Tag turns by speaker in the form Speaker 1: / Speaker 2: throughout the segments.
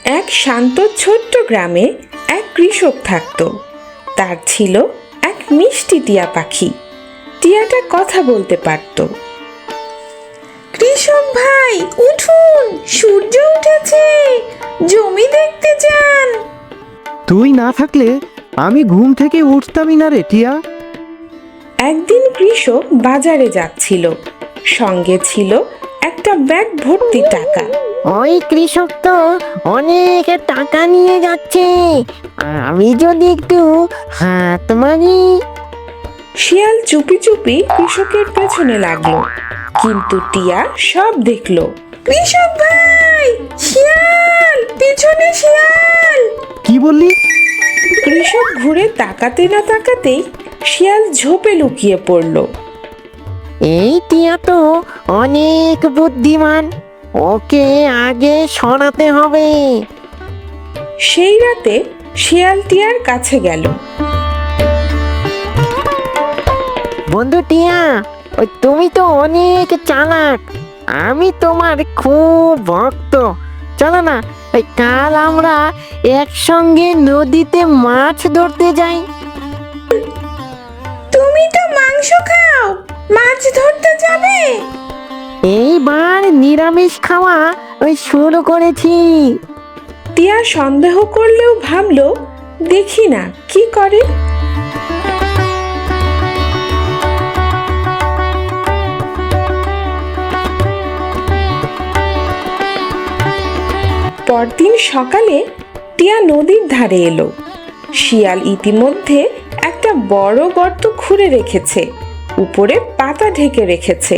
Speaker 1: এক শান্ত ছোট্ট গ্রামে এক কৃষক থাকত। তার ছিল এক মিষ্টি টিয়া পাখি। টিয়াটা কথা বলতে পারত। কৃষক ভাই উঠুন, সূর্য উঠেছে, জমি দেখতে যান।
Speaker 2: তুই না থাকলে আমি ঘুম থেকে উঠতামই না রে টিয়া।
Speaker 1: একদিন কৃষক বাজারে যাচ্ছিল, সঙ্গে ছিল একটা ব্যাগ ভর্তি টাকা।
Speaker 3: ওই কৃষক তো অনেক টাকা নিয়ে যাচ্ছে, আমি যদি একটু হাত মারি।
Speaker 1: শিয়াল চুপি চুপি কৃষকের পেছনে লাগলো, কিন্তু টিয়া সব দেখলো। কৃষক ভাই, শিয়াল, পিছনে শিয়াল!
Speaker 2: কি বললি?
Speaker 1: কৃষক ঘুরে তাকাতে না তাকাতেই শিয়াল ঝোপে লুকিয়ে পড়লো।
Speaker 3: এই টিয়া তো অনেক বুদ্ধিমান, ওকে আগে সরাতে হবে।
Speaker 1: সেই রাতে শিয়াল টিয়ার কাছে গেল।
Speaker 3: বন্ধু টিয়া, ওই তুমি তো অনেক চালাক, আমি তোমার খুব ভক্ত। চলো না, ওই কাল আমরা একসঙ্গে নদীতে মাছ ধরতে যাই।
Speaker 1: তুমি তো মাংস খাও, মাছ ধরতে যাবে?
Speaker 3: এইবার নিরামিষ খাওয়া ওই শুরু করেছি।
Speaker 1: টিয়া সন্দেহ করলেও ভাবলো, দেখি না কি করে। পরদিন সকালে টিয়া নদীর ধারে এলো। শিয়াল ইতিমধ্যে একটা বড় গর্ত খুঁড়ে রেখেছে, উপরে পাতা ঢেকে রেখেছে।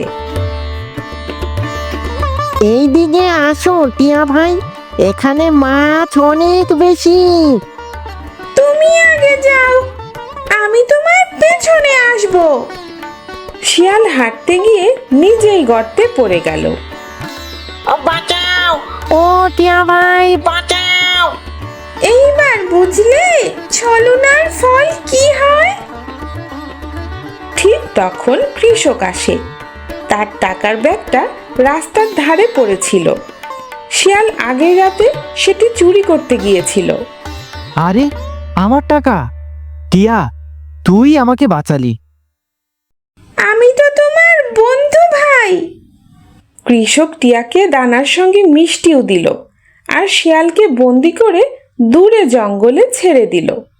Speaker 3: এই দিকে আসো টিয়া ভাই, এখানে মাছ অনেক বেশি।
Speaker 1: তুমি আগে যাও, আমি তোমার পেছনে আসব। শিয়াল হাঁটতে গিয়ে নিজেই গর্তে পড়ে গেল।
Speaker 3: ও বাঁচাও, ও টিয়া ভাই বাঁচাও।
Speaker 1: এইবার বুঝলে ছলনার ফল কি হয়? ঠিক তখন কৃষক আসে। তার টাকার ব্যাগটা রাস্তার ধারে পড়েছিল। শিয়াল আগের রাতে সেটি চুরি করতে গিয়েছিল।
Speaker 2: আরে আমার টাকা! টিয়া, তুই আমাকে বাঁচালি।
Speaker 1: আমি তো তোমার বন্ধু ভাই। কৃষক টিয়াকে দানার সঙ্গে মিষ্টিও দিল, আর শিয়ালকে বন্দি করে দূরে জঙ্গলে ছেড়ে দিল।